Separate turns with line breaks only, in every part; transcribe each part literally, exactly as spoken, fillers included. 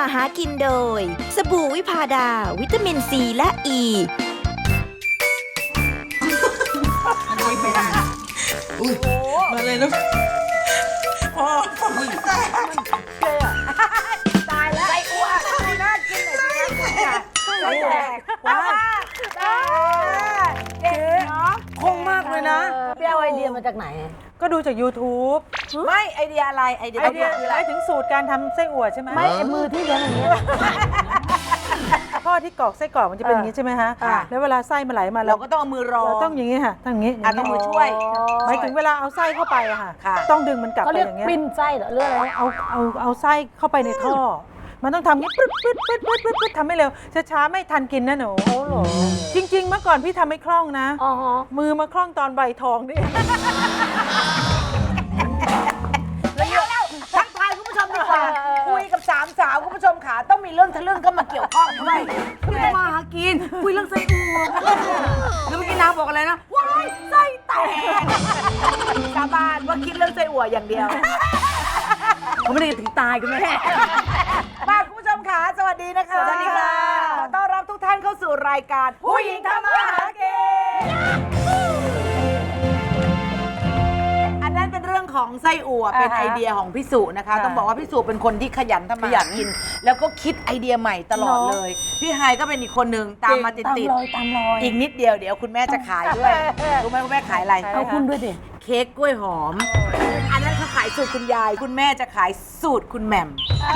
หากินโดยสบู่วิพาดาวิตามินซีและอ e. ี
อุ้ยมาเลยลูกพอพอตายตายแล้วไส้อั่วน่ากินเลยสิคะไส้แตกว้าวเก๋เนาะคงมากเลยนะ
ไปเอาไอเดียมาจากไหน
ก็ดูจาก YouTube
ไม่ไอเดียอะไรไอเดีย
ไอเดียหมายถึงสูตรการทำไส้อั่วใช่ไหม
ไม่ไอมือที่เลี้ยงอย่างเงี้ย
พ่อที่กรอกไส้กรอกมันจะเป็นอย่างนี้ใช่ไหมฮะแล้วเวลาไส้มันไหลมา
เราก็ต้องเอามือรอ
เราต้องอย่างนี้ค่ะต้องอย่างนี้
อ่ะต้องมือช่วย
หมายถึงเวลาเอาไส้เข้าไปอะค่ะ
ค่ะ
ต้องดึงมันกลับ
เขา
ไป
เรียก
อย่างเงี้ย
ปิ้นไส้เหรอเรื่องอะไร
เอาเอาเอาไส้เข้าไปในท่อ มันต้องทำอย่างนี้ปึ๊ดปึ๊ดปึ๊ดปึ๊ดปึ๊ดปึ๊ดทำให้เร็วช้าๆไม่ทันกินนะหนู
โอ้โห
จริง ๆ เมื่อก่อนพี่ทำไม่คล่องนะ
อ๋อฮะ
มือมาคล่องตอนใบทองนี่
ทักทายคุณผู้ชมดีกว่าคุยกับสามสาวคุณผู้ชมขาต้องมีเรื่องทะลึ่งเข้ามาเกี่ยวข้องด้วยคุยมาหากินคุยเรื่องไส้อั่วแล้วเมื่อกี้นางบอกอะไรนะว้ายไส้แตกชาวบ้านว่าคิดเรื่องไส้อั่วอย่างเดียวเขาไม่ได้ถึงตายกันเลยมาคุณผู้ชมขาสวัสดีนะคะ
สวัสดีค่ะ
ขอต้อนรับทุกท่านเข้าสู่รายการผู้หญิงทำมาหากินอันนั้นเป็นเรื่องของไส้อั่วเป็นไอเดียของพี่สุนะคะ ต้องบอกว่าพี่สุเป็นคนที่ขยันทำมาหากิน แล้วก็คิดไอเดียใหม่ตลอดเลย พี่ไฮก็เป็นอีกคนหนึ่งตามมาติด
ตาม
ติด
รอยตามรอย
อีกนิดเดียวเดี๋ยวคุณแม่จะขายด้วยรู้ไหมคุณแม่ขายอะไร
เอาคุณด้วยดิ
เค้กกล้วยหอม อันนั้นเขาขายสูตรคุณยาย คุณแม่จะขายสูตรคุณแหม่ม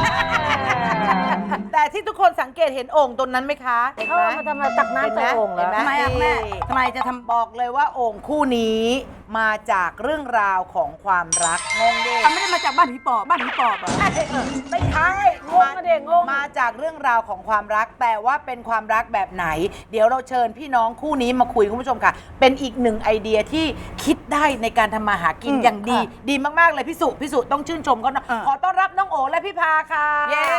แต่ที่ทุกคนสังเกตเห็นโอ่งตรงนั้นไหมคะเห็น
เขา
ไหม
เอามาทำอะไรตักน้ำใส่โอ่งเหรอ
เห็นไหม
ทำไมอะ
นี่
แม่
ทำไมจะทำบอกเลยว่าโอ่งคู่นี้มาจากเรื่องราวของความรักงงดิ
ไม่ได้มาจากบ้านผีปอบบ้านผีปอบเหรอ
ไม่ใช่
งงอะเด็กงง
มาจากเรื่องราวของความรัก แต่ว่าเป็นความรักแบบไหน เดี๋ยวเราเชิญพี่น้องคู่นี้มาคุยคุณผู้ชมค่ะ เป็นอีกหนึ่งไอเดียที่คิดได้ในการทำมาหากินอย่างดี ดีมากๆเลยพี่สุพี่สุต้องชื่นชมเขานะขอต้อนรับน้องโอและพี่พาค่ะเย้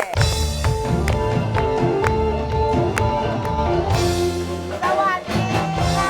สวัสดีค่ะ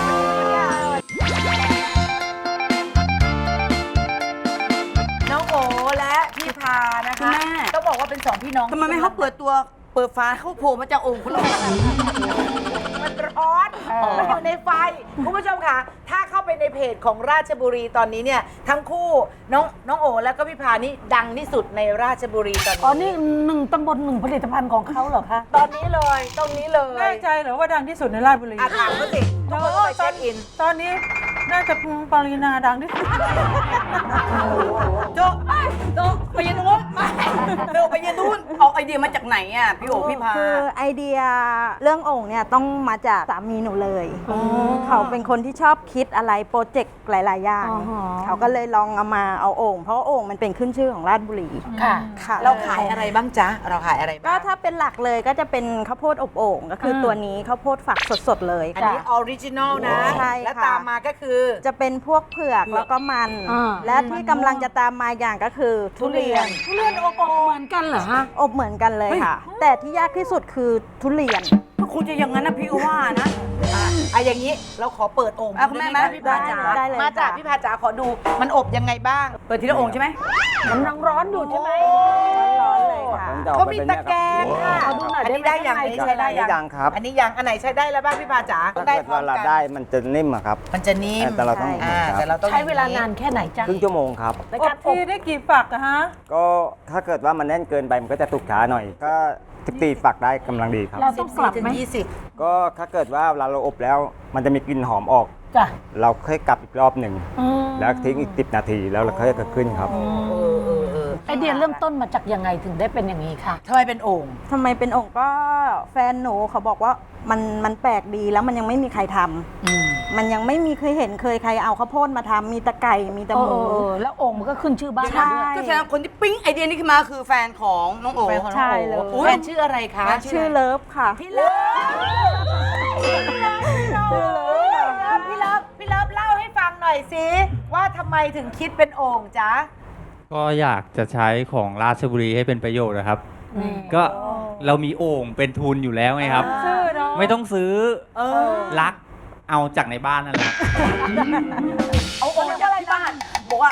น้องโอและพี่พานะคะ
คุณแม่
ต้องบอกว่าเป็นสองพี่น้อง
ทำไมไม่เขาเปิดตัวเปิดฝาเขาโผล่มาจากโอ่งเขาเลย
มันร้อนมันอยู่ในไฟคุณผู้ชมค่ะ ถ้าเข้าไปในเพจของราชบุรีตอนนี้เนี่ยทั้งคู่น้องน้องโอแล้วก็พี่พานี่ดังที่สุดในราชบุรีตอนนี้
อ๋อนี่หนึ่งตำบลหนึ่งผลิตภัณฑ์ของเขาเหรอคะ
ตอนนี้เลยตรงนี้เลย
แน่ใจเหรอว่าดังที่สุดในราชบุรี
อาถามเขาสิทุกคนต้องไปเช็คอิน
ตอนนี้น่าจะปรินาดังที่สุด
โจ๊ะโจ๊ะไปยืนตรงนู้นเร็วไปยืนนู้นเอาไอเดียมาจากไหนอ่ะพี่โอพี่พา
คือไอเดียเรื่องโอ่งเนี่ยต้องมาจากสามีหนูเลย เขาเป็นคนที่ชอบคิดอะไรโปรเจกต์หลาย ๆ อย่าง
อ๋อฮะ
เขาก็เลยลองเอามาเอาโอ่งเพราะว่าโอ่งมันเป็นขึ้นชื่อของราชบุรี
ค่ะ
ค่ะ
เราขายอะไรบ้างจ๊ะเราขายอะไร
ก็
บ้าง
ถ้าเป็นหลักเลยก็จะเป็นข้าวโพดอบโอ่งก็คืออ
ม
ตัวนี้ข้าวโพดฝักสด ๆ เลย
อันนี้ออริจินอลนะ
ใช่ค่ะ
และตามมาก็คือ
จะเป็นพวกเผือกแล้วก็มัน
อ่า
และที่กำลังจะตามมาอย่างก็คือทุเรียน
ทุเรียนอบอบเหมือนกันเหรอฮะ
อบเหมือนกันเลยค่ะ แต่ที่ยากที่สุดคือทุเรียน
ก็คงจะอย่างนั้นนะพี่ว่านะ
อ่ะอย่างนี้เราขอเปิดโอ่ง
อ่ะคุณแม่ไหม
พี่พาจ๋า
ได้เลย
มาจาก
ค่ะ
พี่พาจ๋าขอดูมันอบยังไงบ้าง
เปิดทีละโอ่งใช่ไหมมันยังร้อนอยู่ใช่ไหม
ร้อนๆเลยค่ะ
เขามีตะแกรงค่ะ
ขอดูหน่อย
อันนี้
ได้
ได้
ไหม
ยังอันนี้ใช้ได้ยัง
ยังครับ
อันนี้ยังอันไหนใช้ได้แล้วบ้างพี่พาจ๋า
ถ้า
ได้
เกิด
พร้อ
ว่าม เรา
กัน
ได้มันจะนิ่มอะครับ
มันจะนิ่ม
แต่เราต้อง
อ่า
ครับ
แต่เราต้อง
ใช้เวลานานแค่ไหนจ๊ะ
ครึ่งชั่วโมงครับ
ใน
อ
การ
บ
อ
ที
บ
ได้กี่ฝักอะฮะ
ก็ถ้าเกิดว่ามันแน่นเกินไปมันก็จะตุกช้าหน่อย ก็สิบสี่ฝักได้กำลังดีครับ
เราต้องกลับ
ถึง
ไหม
ยี่สิบ
ก็ถ้าเกิดว่าเวลาเราอบแล้ว มันจะมีกลิ่นหอมออก
จ้ะ
เราค่อยกลับอีกรอบหนึ่ง
อืม
แล้วทิ้งอีกสิบนาทีแล้วเราค่อยเกิดขึ้นครับ
เออเออเออ
ไอเดียเริ่มต้นมาจากยังไงถึงได้เป็นอย่างนี้ค่ะ
ทำไมเป็นโอ่ง
ทำไมเป็นโอ่งก็แฟนหนูเขาบอกว่ามันมันแปลกดีแล้วมันยังไม่มีใครทำมันยังไม่มีเคยเห็นเคยใครเอาข้าวโพดมาทำมีแตะไก่มีแตะ
เอ
ห
อ
มู
เออแล้วโอ่งมันก็ขึ้นชื่อบ้าน
ใช่
เราด้วย
ก็แสดงว่าคนที่ปิ๊งไอเดียนี้ขึ้นมาคือแฟนของน้องโอ๋
แฟนของน้อง
ใช่
โอ๋
เลย
แฟนชื่ออะไรคะ
ชื่อเลิฟค่ะ
พี่เลิฟพี่เลิฟพี่เลิฟพี่เลิฟเล่าให้ฟังหน่อยสิว่าทำไมถึงคิดเป็นโอ่งจ๊ะ
ก็อยากจะใช้ของราชบุรีให้เป็นประโยชน์นะครับ
นี่
ก็เรามีโอ่งเป็นทุนอยู่แล้วไงครับ
ชื่อเนาะ
ไม่ต้องซื้อ
เออ
รักเอาจากในบ้านนั่นแหละ
เอาโอ่งจากที่บ้าน บอกว่า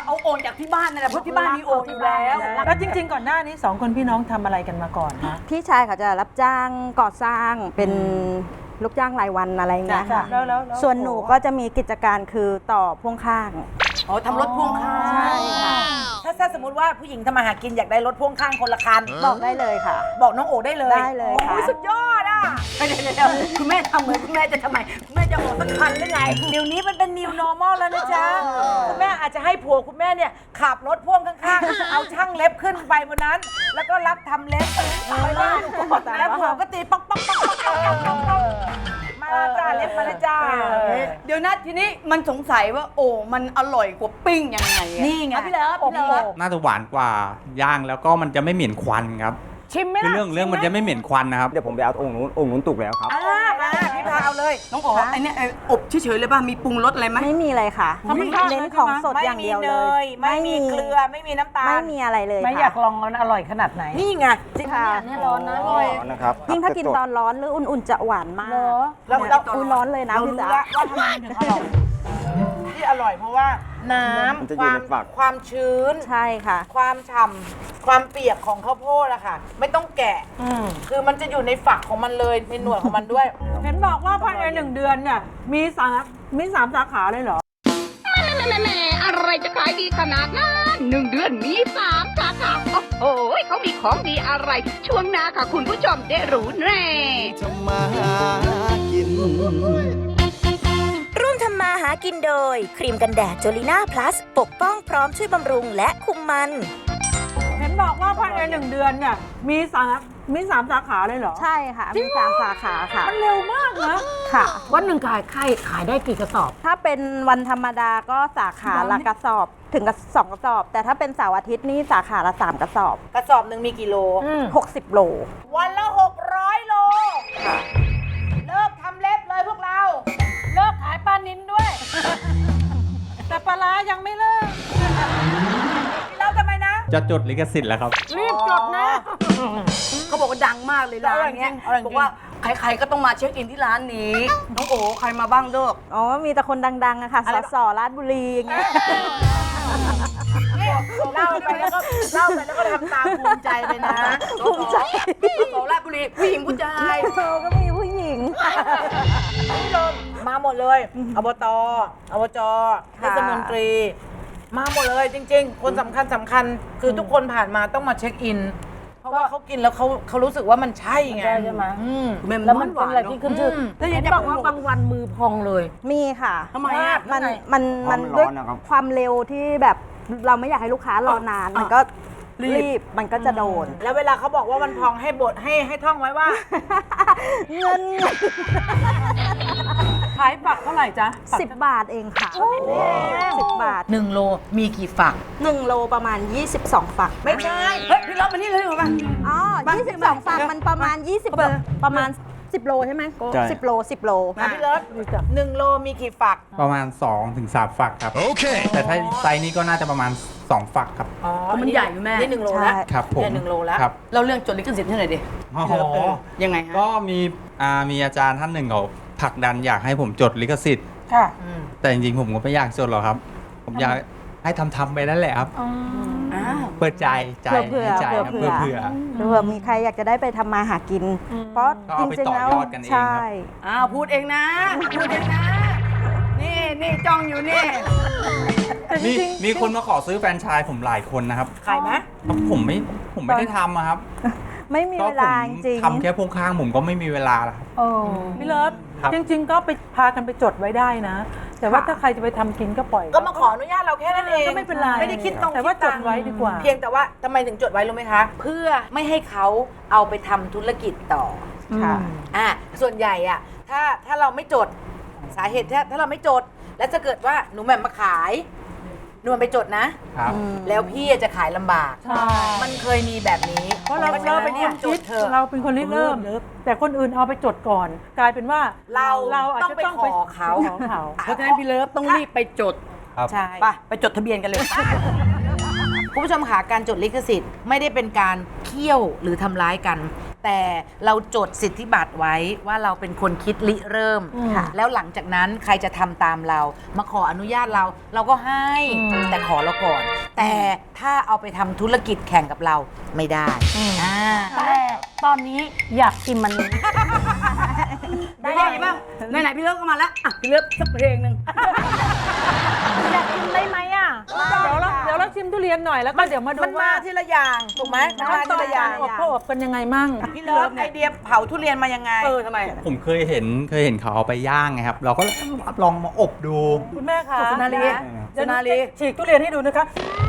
เอาโอ่งจากที่บ้านนั่นแหละเพราะที่บ้านมีโอ่งอยู่แล้ว
แล้วจริง ๆ ก่อนหน้านี้สองคนพี่น้องทำอะไรกันมาก่อนคะ
พี่ชายเขาจะรับจ้างก่อสร้างเป็นลูกจ้างรายวันอะไรอย่างเงี้ยค่ะ
แล้วแล้วแล้ว
ส่วนหนูก็จะมีกิจการคือต่อพ่วงข้าง
อ๋อทำรถพ่วงข้าง
ใช่ค่ะ
ถ้าถ้าสมมติว่าผู้หญิงทำมาหากินอยากได้รถพ่วงข้างคนละคัน
บอกได้เลยค่ะ
บอกน้องโอได้เลย
ได้เลยค่ะ
โอ้สุดยอดอ่ะ
เดี๋ยวเดี๋ยวเดี๋ยวคุณแม่ทำเหมือนคุณแม่จะทำไมคุณแม่จะออกสักคันหรือไง
เดี๋ยวนี้มันเป็น new normal แล้วนะจ๊ะคุณแม่อาจจะให้ผัวคุณแม่เนี่ยขับรถพ่วงข้างๆ เอาช่างเล็บขึ้นไปบนนั้น แล้วก็รับทำเล็บไปบ้านแล้วผัวก็ตีป๊อกป๊อกป๊อกป๊อกป๊อกป๊อกป๊อกป๊อกมาจ้าเล็บมาเลยจ้า
เดี๋ยวนะทีนี้มันสงสัยว่าโอ้มันอร่อยกว่าปิ้งยังไงอะ
นี่ไง
อ่ะพี่เลิฟพี่เลิฟ
น่าจะหวานกว่าย่างแล้วก็มันจะไม่เหม็นควันครับ
ชิมไหม
คือ
ล่ะ
เรื่องเรื่องมันจะไม่เหม็นควันนะครับ
เดี๋ยวผมไปเอาองค์นู้นองค์นู้นตุกแล้วครับ
อ่ามาพี่พาเอาเลย
น้องอ๋อไอเนี้ยไอ้อบเฉยๆเลยป่ะมีปรุงรสอะไรไหม
ไม่มีอะไรค่ะ
ธรรมชาติ
เน้นของสด
ไม่
อย่าง
มี
เดียว
เน
เลย
ยไม่มีเกลือไม่มีน้ำตาล
ไม่มีอะไรเลย
ไม่
ค่ะ
อยากลองมันอร่อยขนาดไหน
นี่ไง
ค่ะ
เนี่ยร้อนนะ
อ๋อนะครับ
ยิ่งถ้ากินตอนร้อนหรืออุ่นๆจะหวานมาก
เหรอ
เรา
เนี่ย
เรา
อุ้ยร้อนเลยนะ
เรา
พี่
รู้
จ๋า
แล้วว่าทำไมถึงอร่อยที่อร่อยเพราะว่าน้
มันจะ
ำ
อ
ค
ยู่
วาม
ในฝัก
ความชื้น
ใช่ค่ะ
ความฉ่ำความเปียกของข้าวโพดอะค่ะ ไม่ต้องแกะคือมันจะอยู่ในฝักของมันเลยในหน่วยของมันด้วย
เห็นบอกว่าภายในหนึ่งเดือนเนี่ยมีสามีสามสาขาเลยเหรอ
แม่แม่แม่อะไรจะขายดีขนาดนั้นหนึ่งเดือนมีสามสาขาโอ้โหเขามีของดีอะไร ช่วงหน้าค่ะคุณผู้ชมได้รู้แน่
ร่วมทำมาหากินโดย ครีมกันแดดโจลิน่าพลัสปกป้องพร้อมช่วยบำรุงและคุมมัน
เห็นบอกว่าภายในหนึ่งเดือนเนี่ยมีสามีสามสาขาเลยเหรอ
ใช่ค่ะ มีสามสาขาค่ะ
มันเร็วมากนะ
ค่ะ
วันหนึ่งขายไข่ขายได้กี่กระสอบ
ถ้าเป็นวันธรรมดาก็สาขาละกระสอบถึงกับสองกระสอบ แต่ถ้าเป็นเสาร์อาทิตย์นี่สาขาละสามกระสอบ
กระสอบหนึ่งมีกี่โล
หกสิบโล
วันละหกร้อยโลเลิกทำเล็บเลยพวกเรา
เลิกขายปลานินด้วย
แต่ปลาร้ายังไม่เลิก
เราทำไมนะ
จะจดลิขสิทธิ์แล้วครับ
รีบจดนะ
เขาบอกว่าดังมากเลยร้านเนี้ยบอกว่าใครๆก็ต้องมาเช็คอินที่ร้านนี้ น้องโอ๋ใครมาบ้างเลิก
อ๋อ มีแต่คนดังๆอะค่ะ
อะไร
สสราชบุรีอย่างเงี้ย
เล่าไปแล้วก็เล่าไปแล้วก็ทำตามภูมิใจไปนะ
ภูมิใจ
สอราชบุรีผู้หญิงผู้ชาย
เออก็มีผู้หญิง
ผู้ชมมาหมดเลยอบตอบจเท
ค่ะ
ศมนตรี มาหมดเลยจริง ๆ คนสำคัญสำคัญคือทุกคนผ่านมาต้องมาเช็คอิน เพราะว่าเขากินแล้วเขาเขารู้สึกว่ามันใช่ไง
ใช่ใช่ไหม
อืม
แม่
แล้วมันเป็นอะไรที่ขึ้นชื่อ
อืม
แล้วเห็นบอกว่าบางวันมือพองเลย
มีค่ะ
ทำไมอ่ะ
มันมันมัน
เพราะมันร้
ด้วย
อนนะครับ
ความเร็วที่แบบเราไม่อยากให้ลูกค้ารอนาน มันก็รีบมันก็จะโดน
แล้วเวลาเขาบอกว่ามันพองให้บทให้ให้ท่องไว้ว่า
เงิน
ขายฝักเท่าไหร่จ๊ะ
สิบบาทเองค่ะสิบบาท
หนึ่งโลมีกี่ฝัก
หนึ่งโลประมาณ ยี่สิบสอง ฝัก
ไม่ใช่
เฮ้ยพี่รับมานี่เลยเหรอปะ
อ๋อยี่สิบสอง ฝักมันประมาณ ยี่สิบประมาณสิบโลใช่ไหม
ใช่
สิบโลสิบโล
มาพี่เลิศหนึ่งโลมีกี่ฝัก
ประมาณ2-3ถึงสามฝักครับ โอเค แต่ถ้าไซส์นี้ก็น่าจะประมาณสองฝักครับ
อ๋อ
มันใหญ่อยู่แม่
นี่หนึ่งโลแล้ว
ครับผม
เนี่ยหนึ่งโลแล้ว
ครับ
เราเรื่องจดลิขสิทธิ์ให้หน่อยดิ
อ๋อ
เออยังไงฮะ
ก็มีอ่ามีอาจารย์ท่านหนึ่งเขาผลักดันอยากให้ผมจดลิขสิทธิ์
ค่ะ
แต่จริงๆผมก็ไม่อยากจดหรอกครับ ผมอยากให้ทำทำๆไปนั่นแหละครับ
อ้าว
เปิดใจใจ
เผื่อ
ให้ใจ
เผื่อ
ครับ
เผื่อ
เผื่อ
เผื่อมีใครอยากจะได้ไปทำมาหากิน เพราะ
ก็
จ
เอาไป
ริงๆแล้ว
ต่อยอดกันเองครับ
ใช่
อ้าวพูดเองนะ พูดเองนะ นี่นี่จ้องอยู่นี่
มีมีคนมาขอซื้อแฟรนไชส์ผมหลายคนนะครับ
ขายไหม
แล้วผมไม่ผมไม่ได้ทำอะครับ
ไม่มี
ก็
เว
ผ
ลาม จริง
ทำแค่พวงข้างผมก็ไม่มีเวลาแล้วครับ
โอ้
พี่เลิฟ
ครับ
จริง ๆ ก็ไปพากันไปจดไว้ได้นะ แต่ว่าถ้าใครจะไปทำกินก็ปล่อย
ก็มาขออนุญาตเราแค่นั้นเอง
ก็ไม่เป็นไร
ไม่ได้คิดต้อง
แต่ว่า
คิตังค์
จดไว้ดีกว่า
เพียงแต่ว่าทำไมถึงจดไว้รู้ไหมคะ เพื่อไม่ให้เขาเอาไปทำธุรกิจต่อ
ค่ะ
อ่ะส่วนใหญ่อ่ะถ้าถ้าเราไม่จดสาเหตุถ้าถ้าเราไม่จด แล้วจะเกิดว่าหนูแหม่มมาขายหนูแหม่มไปจดนะ
ครับ
แล้วพี่จะขายลำบาก
ใช่
มันเคยมีแบบนี้
เพราะเรา
ฉะ
เรา
นั้น
เป็น
เนี่
ค
ย
น
จ
คิ
ด
ด
เถอะ
เราเป็นคนริเริ่ม แต่คนอื่นเอาไปจดก่อน กลายเป็นว่า
เรา
เราอาจ
ต้อง
จะ
ไป
ต้อง
ข
ไป
อเขา
ขอเขา
เพราะฉะนั้นพี่เลิฟต้องรีบไปจด
ครับ
ใช่
ไปไปจดทะเบียนกันเลย
คุณผู้ชมค่ะการจดลิขสิทธิ์ไม่ได้เป็นการเคี่ยวหรือทำร้ายกันแต่เราจดสิทธิบัตรไว้ว่าเราเป็นคนคิดริเริ่ม
ค่ะ
แล้วหลังจากนั้นใครจะทำตามเรา มาขออนุญาตเรา เราก็ให้แต่ขอเราก่อน แต่ถ้าเอาไปทำธุรกิจแข่งกับเราไม่ได้อ่า
แต่ตอนนี้อยากกินมันนี้
ได้ยังไงบ้างไหนๆพี่เลิฟก็มาแล้วอ่ะพี่เลิฟสักเพลงหนึ่ง
อยากกินได้ไหมอ่ะ
เดี๋ยวเราเดี๋ยวเราชิมทุเรียนหน่อยแล้วก็เดี๋ยวมาดู
มันมา
ว่า
ทีละอย่างถูกไหมมันมา
ขั้นต
ที
อน
ละอก
า
ย่าร ง
อบเขาอบกันยังไงมั่ง
พี่เลิฟไอเดียเผาทุเรียนมายังไง
เออทำไม
ผมเคยเห็นเคยเห็นเขาเอาไปย่างไงครับ เราก็ลองมาอบดู
คุณแม่คะ
สุนารี
เดี๋ยว
สุนารี
ฉีกทุเรียนให้ดูนะคะ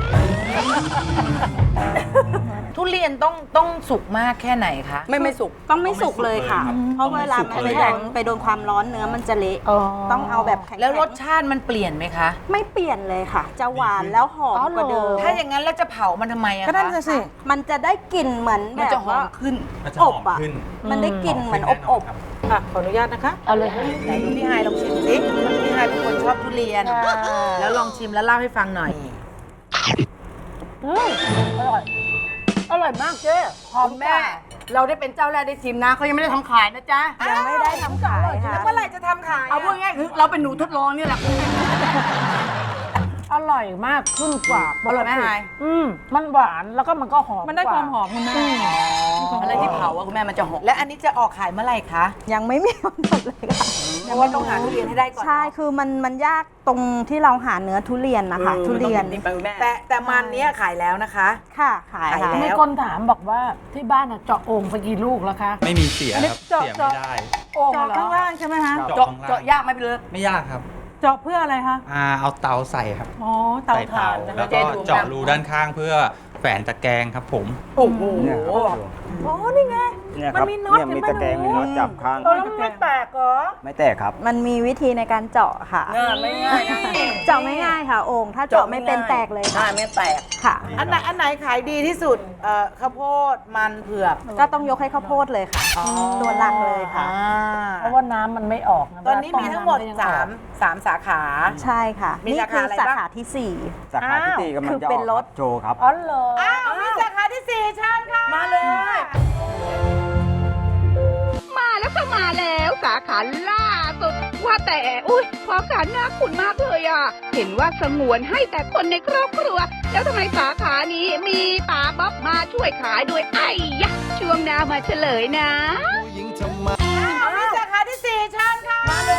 ทุเรียนต้องต้องสุกมากแค่ไหนคะ
ไม่ไม่สุก
ต้องไม่สุกเลยค่ะ เพราะเวลา
ต้อง
มัน
ไม่
ไป
สุก
โดนไปโดนความร้อนเนื้อมันจะเละ
อ๋อ
ต้องเอาแบบแข็งๆ
แล้วรสชาติมันเปลี่ยนไหมคะ
ไม่เปลี่ยนเลยค่ะ จะหวานแล้วหอมกว่าเดิม
ถ้าอย่างนั้นแล้วจะเผามันทำไมอะ
ก็นั่น
คะ
น่ะสิ
มันจะได้กลิ่นเหมือนแบ
มัน
บ
จะหอ
ว่าม
ขึ้น
มันจะ
อ
ห
บ
อม
อ่ะ
ขึ้น
มันได้กลิ่นเหมือนอบอบ
อ่ะขออนุญาตนะคะ
เอาเลย
ไหนดูพี่ไฮายลองชิมสิพี่ไฮายเป็นคนชอบทุเรียน แล้วลองชิมแล้วเล่าให้ฟังหน่อย
อืมอร่อย อร่อยมากเจ๊
หอมแม่ เราได้เป็นเจ้าแรกได้ชิมนะเขายังไม่ได้ทำขายนะจ๊ะ
ยังไม่ได้ทำขายค่ะ
แล้วเมื่อไหร่จะทำขาย
เอาพูดง่ายๆคือเราเป็นหนูทดลองนี่แหละ
อร่อยมากขึ้นกว่า
อร่อยไหมไฮาย
อืมมันหวานแล้วก็มันก็หอม
มันได้ความหอมคุณแม่
อะไรที่เผาอะคุณแม่มันจะหอม
และอันนี้จะออกขายเมื่อไหร่คะ
ยังไม่มีกำหนดเลยค่ะ
เพราะว่าต้องหาทุเรียนให้ได้ก่อน
ใช่คือมันมันยากตรงที่เราหาเนื้อทุเรียนนะคะ ทุเรียน
แต่แต่มันเนี้ยขายแล้วนะคะ
ค่ะขาย
ขาย
ค่ะ
แล้ว
มีคนถามบอกว่าที่บ้านอะเจาะโอ่งไปกี่ลูกแล้วคะ
ไม่มีเสียครับ
เจาะ
เสีย
เจาะ
ไม่ได้
โอ่ง
เจาะ
เหรอ
ข้างล่างใช่ไหมคะ
เจาะ
เจาะ
ข้างล่าง
เจาะยากไหมพี่เลิฟ
ไม่ยากครับ
เจาะเพื่ออะไรคะ
อ่าเอาเตาใส่ครับ
อ๋อเตา
ใส่
ถ่า
เตาน
นะ
แล้ว
คะ
ก็เจาะรูด้านข้างเพื่อแฝนตะแกรงครับผม
โอ้โห
เนี่ยครับ
อ๋อนี่ไง
เนี่ยค
มัน
รับ
มีน็อต
เนี่ยมี
เห็นไหม
ตะแกรง
หนู
มีน็อตจับข้าง
เออแล้วมันไม่แตกเหรอ
ไม่แตกครับ
มันมีวิธีในการเจาะค่ะ
เออไม่ง่ายนะ
เจาะไม่ง่ายค่ะ โอ่งถ้าเจาะไม่เป็นแตกเลย
ใช่
ค่ะ
ไม่แตก
ค่ะ
อันไหนอันไหนขายดีที่สุดเอ่อข้าวโพดมันเผือก
ก็ต้องยกให้ข้าวโพดเลยค่ะ ตัวหลักเลยค่ะ
อ่า
เพราะว่าน้ำมันไม่ออกะ
ตอนนี้มีทั้งหมด
เวลาต้
สามสามสาขา
ใช่ค่ะ
มี
นี่
สา
คื
ขา
อ
อะไร
สา
บ้าง
ขาที่สี่
สาขาที่ตีกำลังจะอ
คือเป็
อน ก
ร
ค
ถ
รับโชว์ครับ
อ๋อเหรอ
อ้าวมีสาขาที่สี่เชิญค่ะ
มาเลย
มาแล้วก็มาแล้วสาขาล่าสุดว่าแต่อุ้ยพอการน่าคุณมากเลยอ่ะ เห็นว่าสงวนให้แต่คนในครอบครัว แล้วทำไมสาขานี้มีป๋าบ๊อบมาช่วยขายด้วยไอ้ยะช่วงหน้ามาเฉลยนะ
มีสาขาที่สี่เชิญค่ะ มาเลย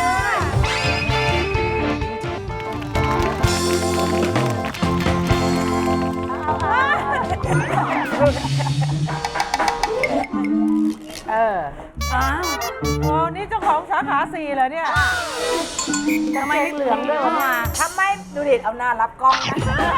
เออ
อ้าวโอ้นี่เจ้าของสาขาสี่เหรอเนี่ย
ทำไมเหลืองด้วยวะ
ทำไมดูดิเอาหน้ารับกล้องนะ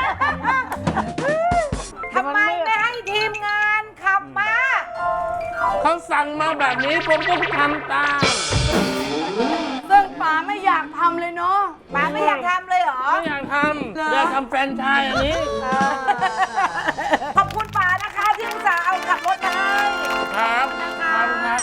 ทำไมไม่ให้ทีมงานขับมา
เขาสั่งมาแบบนี้ผมต้องทำตาม
ซึ่งป๋าไม่อยากทำเลยเนาะ
ป๋าไม่อยากทำเลยเหรอ
ไม่อยากทำอยากทำแฟรนไชส์อันนี้
ขอบคุณป๋านะคะที่อุตส่าห์เอาขับรถมาให้
ครับครับครับ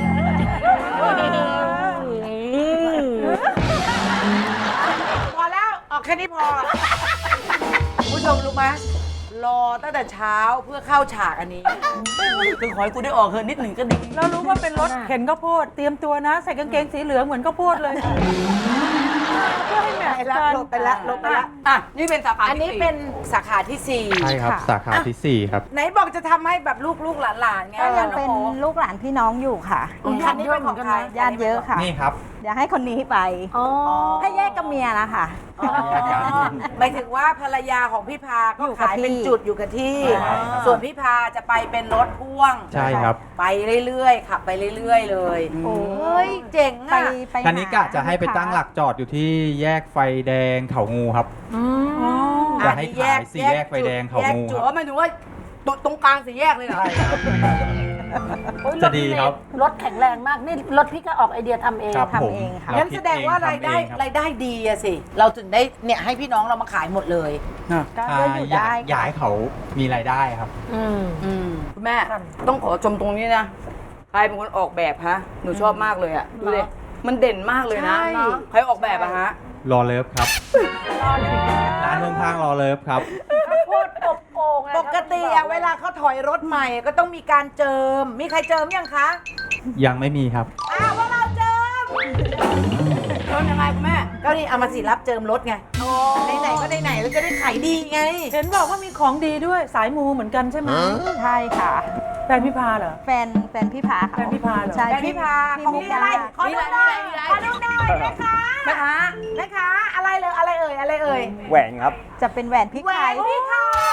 พอแล้วออกแค่นี้พอคุณผู้ชมรู้ไหมรอตั้งแต่เช้าเพื่อเข้าฉากอันนี้
คือขอให้กูได้ออกเฮินนิดหนึ่งก็ดี
เรารู้ว่าเป็นรถเข็นข้าวโพด เตรียมตัวนะ ใส่กางเกงสีเหลืองเหมือนข้าวโพดเลย เพื่อให้แมท
ไป
ช์
ละ
กัน
ลบไปละลบไปละ
อ่ะ นี่เป็นสาขา
อันนี้เป็นสาขาที่สี่
ใช่ครับ
ค่ะ
สาขาที่สี่ครับ
ไหนบอกจะทำให้แบบลูกลูกๆหลานๆไง
ก็ยัง
น้อ
เป็น
โอ
ลูกหลานพี่น้องอยู่ค่ะ
คันนี้เป็นของใคร
ญาติเยอะค่ะ
นี่ครับ
เดี๋ยวให้คนนี้ไป
อ๋อ
ให้แยกกับเมียนะคะ
หมายถึงว่าภรรยาของพี่พาก็
อยู่กับ
ขายเป็น
ที่
จุดอยู่กับที่
ใช่ครับ
ส่วนพี่พาจะไปเป็นรถพ่วง
ใช่ครับ
ไปเรื่อยๆขับไปเรื่อยๆเลยเฮ้ยเจ๋ง
ไป
อ่ะ
ไป
คันนี้กะจะให้ไป
ลูค้า
ตั้งหลักจอดอยู่ที่แยกไฟแดงเขางูครับ
อั
จะ
น
ให้
นี้
ขายสี่แยกไฟแดงเขางู
จุ
ค
ด
รับ
หมายถึงว่าตรงตรงกลางสี่แยกเลยเหรอ
จะดีครับ
รถแข็งแรงมาก นี่รถพี่ก็ออกไอเดียทำเอง
ครับผม
ทำเองค่ะ
เร
งั้น
คิ
แสดงว่ารายได้
เองทำเองครับ
รายได้ดีอะสิ เราถึงได้เนี่ยให้พี่น้องเรามาขายหมดเลย
ก็
อ่า
ก็อยู่
อยา
ได้
กอยากให้เขามีรายได้ครับ
อืม
อืมคุณแม่ ต้องขอชมตรงนี้นะ ใครเป็นคนออกแบบฮะ หนูชอบมากเลยอ่ะ ดูดิ มันเด่นมากเลยนะ
ใช่
ใครออกแบบอะฮะ
รอเลิฟครับร้านข้างๆรอเลิฟครับ
ข้าวโพดอบโอ่งอะ
ปกติอะเวลาเขาถอยรถใหม่ก็ต้องมีการเจิม มีใครเจิมยังคะ
ยังไม่มีครับ
อ้าวพวกเราเจิมเจิมยังไงคุณแม่ก็นี่เอามาสิรับเจิมรถไงไหนๆก็ไหนๆแล้วจะได้ขายดีไง
เห็นบอกว่ามีของดีด้วยสายมูเหมือนกันใช่ไหม
ใช่ค่ะ
แฟนพี่พาเหรอ
แฟนแฟนพี่พาค่ะ
แฟนพี่พาเหรอ
ใช่
แฟนพี่พา
พี่
ของ
มุก
นี่
ดา
อะไรขอดูหน่อยขอดูหน่อยแม่ค้า
แม่ค้า
แม่ค้าอะไรเลยอะไรเอ่ยอะไรเอ่ย
แหวนครับ
จะเป็นแหวนพี่
แหว
ไข่
นพี่ไข่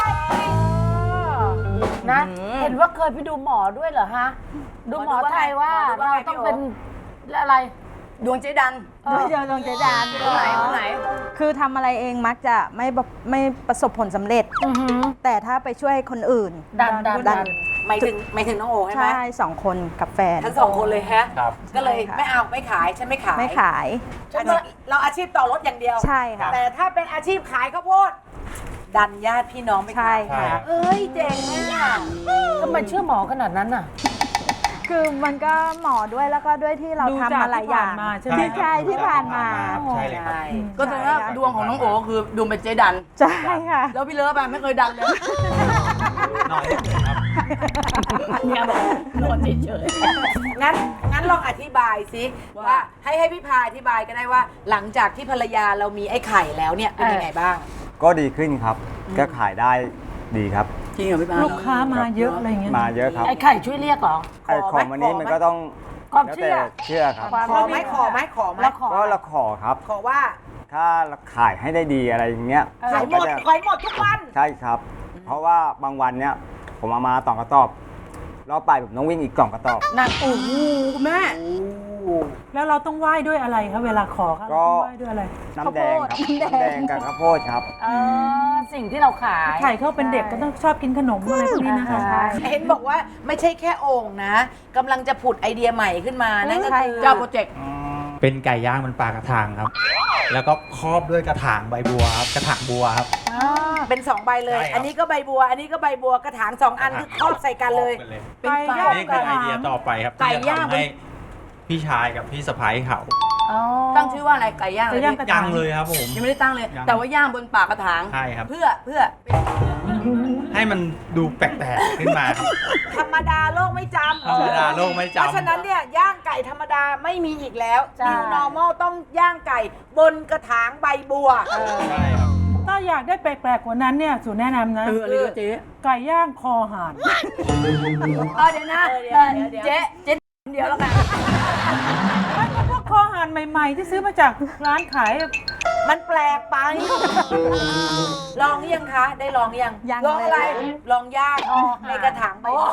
นะเห็นว่าเคยไปดูหมอด้วยเหรอฮะ ดูหมอไทยว่าเราต้องเป็นอะไร
ดวงเจดัน
ด้วยเจอดวงเจดาน
ตรงไหนตรงไหน
คือทำอะไรเองมักจะไม่บไม่ประสบผลสำเร็จ
อือหือ
แต่ถ้าไปช่วยคนอื่น
ดันดันดัน
หมายถึงหมายถึงน้องโอใช่ไหม
ใช่สองคนกับแฟน
ทั้งสองคนเลยฮะ
ครับ
ก็เลย
ใช่ค่ะ
ไม่เอาไม่ขายฉันไม่ขาย
ไม่ขาย
ฉันเราอาชีพต่อรถอย่างเดียว
ใช่ค่ะ
แต่ถ้าเป็นอาชีพขายข้าวโพดดันญาติพี่น้องไป
ใช่
ขาย
ค่ะ
เอ้ยเจ๋งอ่ะ
ทำไมเชื่อหมอขนาดนั้นน่ะ
คือมันก็หมอด้วยแล้วก็ด้วยที่เรา
ดู
ทำ
จาก
มาหลายอย่าง
ที่ผ่านมาใช่ไหม
ที่ใช่ที่ผ่านมา
ใช่เลยครับ
ก็แสดงว่าดวงของน้องโอคือดวงเป็นเจดัน
ใช่ค่ะ
แล้วพี่เลิฟอะไม่เคยดันเลย
น้อยเลยครับ
เนี่ยบอกนอนเฉย
งั้นงั้นลองอธิบายสิ
ว่า
ว่าให้ให้พี่พาอธิบายก็ได้ว่า หลังจากที่ภรรยาเรามีไอ้ไข่แล้วเนี่ยเป็นยังไงบ้าง
ก็ดีขึ้นครับ ก็ขายได้ดีครับ
จริงเหรอพี่ปา
ลูกค้ามาเยอะอะไรเงี้ย
มาเยอะครับ
ไอ้ไข่ช่วยเรียกเหรอ
ไอ้ของวันนี้มันก็ต้อง
ความ
แล้ว
เชื่
แต่
อ
เชื่อครับ
ความ
ขอไหมขอไหมขอไหม
แล้วขอ
ก็เราขอครับ
ขอว่า
ถ้าเราขายให้ได้ดีอะไรอย่างเงี้ย
ขายหม
ก็
ด
จะ
ขายหมดทุกวัน
ใช่ครับ เพราะว่าบางวันเนี้ยผมเอามาสองกระสอบรอบไปผมต้องวิ่งอีกสองกระสอบ
หนักโอ้โหคุณแม่
แล้วเราต้องไหว้ด้วยอะไรครับเวลาขอครับ
ก็
เราต้องไหว้ด้วยอะไร
น้ำแดงครับ
ข้าวโพด
น้ำแดงกับข้าวโพดครับ
เออสิ่งที่เราขาย
ไข่เขาเป็นเด็กก็ต้องชอบกินขนมอะไรพวกนี้นะคะ
ใช่
เห็นบอกว่าไม่ใช่แค่โอ่งนะกำลังจะผุดไอเดียใหม่ขึ้นมานั่นก็คือ
เจ้าโปรเจกต์
เป็นไก่ย่างบนปลากระถางครับ แล้วก็ครอบด้วยกระถางใบบัวครับ กระถางบัวครับ
เป็นสองใบเลย
ใช่ครับ
อันนี้ก็ใบบัว อันนี้ก็ใบบัวกระถางสองอันคือครอบใส่กันเลย
ไก่ย่าง
นี่
ก
คือ
ระ
ไอ
ถาง
เดียต่อไปครับ
ไก่
ที่จะ
ย่าง
ทำให้พี่ชายกับพี่สะพ้ายเขา
อ๋อ
ตั้งชื่อว่าอะไรไก่ย่าง
ไก่ย่างกระ
ยั
ถาง ง
เลยครับผม
ยังไม่ได้ตั้งเลย
ยัง
แต่ว่าย่างบนปากกระถาง
ใช่ครับ
เพื่อเพื่อ
ให้มันดูแปลกๆขึ้นมาครับ
ธรรมดาโลกไม่จำ
ธรรมดาโลกไม่จำ
เพราะฉะนั้นเนี่ยย่างไก่ธรรมดาไม่มีอีกแล้ว New Normal ต้องย่างไก่บนกระถางใบบัว
ใช่ครับ
ถ้าอยากได้แปลกๆกว่านั้นเนี่ยสูตรแนะนำนะ
เอออะไรก็เจ๊
ไก่ย่างคอห่าน
เออเดี๋ยวนะ
เออเดี๋ยวเดี๋ยวเดี๋ยว
เจ๊เจ๊เดียวแล้วกัน
พวกคอห่านใหม่ๆ ที่ซื้อมาจากร้านขาย
มันแปลกไป ลองหรือยังคะ ได้ลองหรือยัง
ยัง
ลองอะไร
เลย
ลองย่างในกระถางใบบัว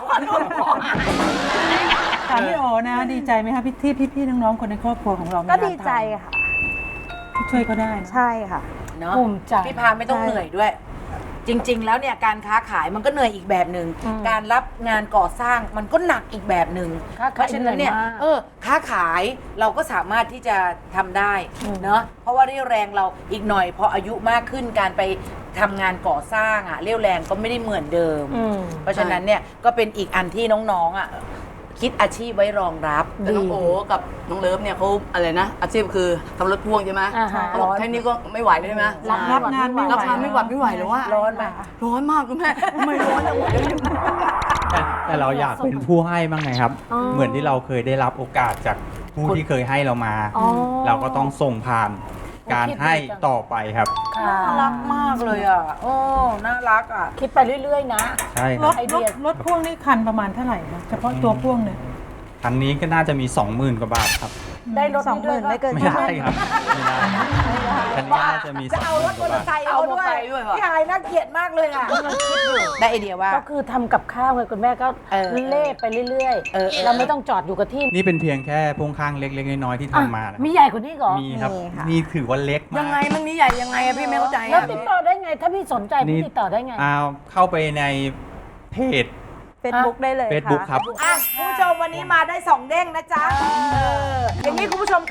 ถามพี่โอนะ ดีใจไหมคะพี่ที่พี่ๆน้องๆคนในครอบครัวของเรามี
ก็
ร้าน
ดีใจค่ะ
ทำช่วยเขาได้นะ
ใช่ค่ะ
เนาะ
ภูมิใจ
พี่พาไม่ต้อง
ใช่
เหนื่อยด้วย จริง ๆ แล้วเนี่ยการค้าขายมันก็เหนื่อยอีกแบบหนึ่งการรับงานก่อสร้างมันก็หนักอีกแบบหนึ่ง
ค้า
เพ
ขาย
ราะฉะนั้นเนี่ย
เหนื่อยมาก
เออค้าขายเราก็สามารถที่จะทำได้เนาะเพราะว่าเรี่ยวแรงเราอีกหน่อยพออายุมากขึ้นการไปทำงานก่อสร้างอะเรี่ยวแรงก็ไม่ได้เหมือนเดิม
อืม
เพราะฉะนั้นเนี่ยก็เป็นอีกอันที่น้องๆอ่ะคิดอาชีพไว้รองรับ
แต่น้องโอกับน้องเลิฟเนี่ยเขาอะไรนะ อาชีพคือทำรถพ่วงใช่ไหม
อ่าฮะ
เขาบอกแค่นี้ก็ไม่ไหวเลยใช่ไหม
รับงานไม่ไหว
ราคาไม่หวัดไม่ไหวหรือว่า
ร้อนไหม
ร้อนมากคุณแม่ทำไมร้อนจังวะ
แต่แต่เราอยากเป็นผู้ให้บ้างไงครับ
อ๋อ
เหมือนที่เราเคยได้รับโอกาสจากผู้ที่เคยให้เรามา
อ๋อ
เราก็ต้องส่งผ่านการให้ต่อไปครับ
ค่ะ
น่ารักมากเลยอ่ะโอ้น่ารักอ่ะ
คิดไปเรื่อยๆนะ
ใช่ค
ร
รับ
ถ
ไอเดี
รถ
ย
รถพ่วงนี่คันประมาณเท่าไหร่คะเฉพาะตัวพ่วงเนี่ย
คันนี้ก็น่าจะมี สองหมื่น กว่าบาทครับ
ได้รถ
สองหมื่นไม่เกิน
ไม่ได้ครับไม่ได้คันนี้น่าจะมี
จะ
สอง
เอา
ห
ร
มื่
ถ
น
ม
ก
อ
ว่า
เตอร์ไซ
บาท
ค์เอาด้วย
เอามอเตอร์ไซค์ด้วยเหรอ
พี่หายน่าเกลียดมากเลยอ่ะได้ไอเดียว่า
ก็คือทำกับข้าวไงคุณแม่ก็
เออ
เล่ไปเรื่อย
เออเออ
เราไม่ต้องจอดอยู่กับที่
นี่เป็นเพียงแค่พ่วงข้างเล็กๆน้อยๆที่ทำมานะ
มีใหญ่กว่านี้เหรอ
มีครับ
มีค่ะ
นี่ถือว่าเล็กมาก
ยังไงมันมีใหญ่ยังไงอะพี่ไม่เข้าใจ
แล้ว
อะ
ติดต่อได้ไง ถ้าพี่สนใจ
นี่
พี่ติดต่อได้ไง
เอาเข้าไปในเพจ
เฟซบุ๊กได้เลยค่ะ
Facebook ครับ
อ่ะคุณผู้ชมวันนี้มาได้สองเด้งนะจ๊ะเอออย่างนี้คุณผู้ชมค่ะ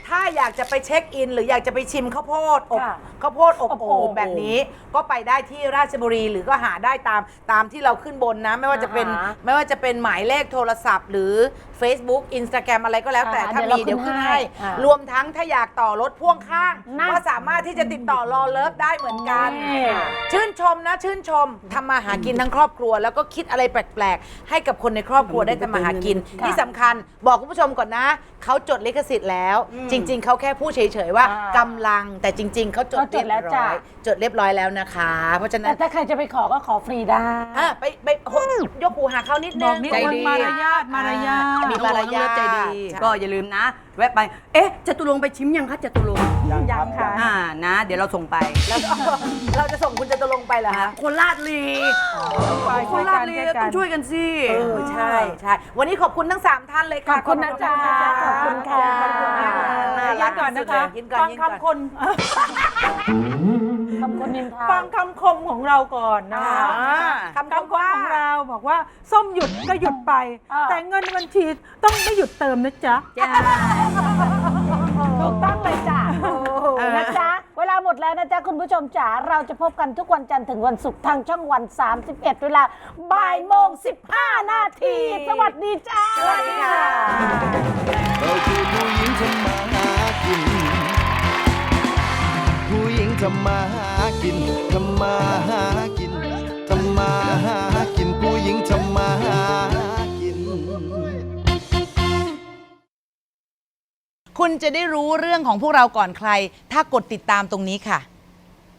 ถ้าอยากจะไปเช็คอิน หรืออยากจะไปชิมข้าวโพดอบ
ค่ะ
ข้าวโพดอบ
อบ
โอ่
โอ่
ง
ง
แบบนี้ก็ไปได้ที่ราชบุรีหรือก็หาได้ตามตามที่เราขึ้นบนนะ ไม่ว่าจะเป็น
อ่าฮะ
ไม่ว่าจะเป็นหมายเลขโทรศัพท์ หรือ Facebook Instagram อะไรก็แล้วแต่
อ่า
ถ้า
เดี๋ยว
มี
เรา
เดี๋ยวขึ้น
ขึ้น
ให้
ให้อ่าร
วมทั้งถ้าอยากต่อรถพ่วงข้าง
นะ
ก็สามารถที่จะติดต่อรอเลิฟได้เหมือนกัน
นี่
ชื่นชมนะชื่นชมทำมาหากินทั้งครอบครัว แล้วก็คิดอะไรแปลกๆ ให้กับคนในครอบครัวได้ทำมาหากิน ที่สำคัญบอกคุณผู้ชมก่อนนะเขาจดลิขสิทธิ์แล้ว จริง ๆเขาแค่พูดเฉยๆว่า
อ่าก
ำลังแต่จริง ๆเขาจด
เขาจ
เรี
ด
ยบ
แล้วจ้ะ
ร้อยจดเรียบร้อยแล้วนะคะ เพราะฉะนั้
แต่
น
ถ้าใครจะไปขอก็ขอฟรีได้
อ่ะไปไปโหยกหูหาเขานิด
บ
นึ
อก
ง
นิด
ใจ
นึง
ดี
มารยาทมารยาท
มีมารยาท
ใจดี
ใช่
ก็อย่าลืมนะ แวะไป เอ๊ะจตุรงค์ไปชิมยังคะจตุรงค์
ยังครับ
ค่ะ
อ่านะ เดี๋ยวเราส่งไป
แล้วก็เราจะส่งคุณจตุรงค์ไปเหรอคะ
คนลาดลีคนลาดลีต้องช่วยกันสิ
เออใช่ใช่วันนี้ขอบคุณทั้งสามท่านเลยค่ะ
ขอบคุณนะจ๊ะขอบคุณค่ะ
ขอบคุณค่ะน่า
ยิ
รั
นก่อนนะคะ
ยินก่อน
ฟัง
ยินก่อน
คำคน
ขอบคุณนินทา
ฟังคำคมของเราก่อนนะคะ
อ่า
คำคมของเราบอกว่าส้มหยุดก็หยุดไป
อ่า
แต่เงินบัญชีต้องไม่หยุดเติมนะจ๊ะ
จ้า
ถูกต้องเลยจ้ะนะจ๊ะ เวลาหมดแล้วนะจ๊ะ คุณผู้ชมจ๋า เราจะพบกันทุกวันจันทร์ถึงวันศุกร์ทางช่องวัน สามสิบเอ็ด เวลาบ่ายโมงสิบห้านาที สวัสดีจ้า
สวัสดีค่ะ
เราคือผู้หญิงทำมาหากิน ผู้หญิงทำมาหากิน ทำมาหากิน ทำมาหากิน ผู้หญิงทำมาหากิน
คุณจะได้รู้เรื่องของพวกเราก่อนใคร ถ้ากดติดตามตรงนี้ค่ะ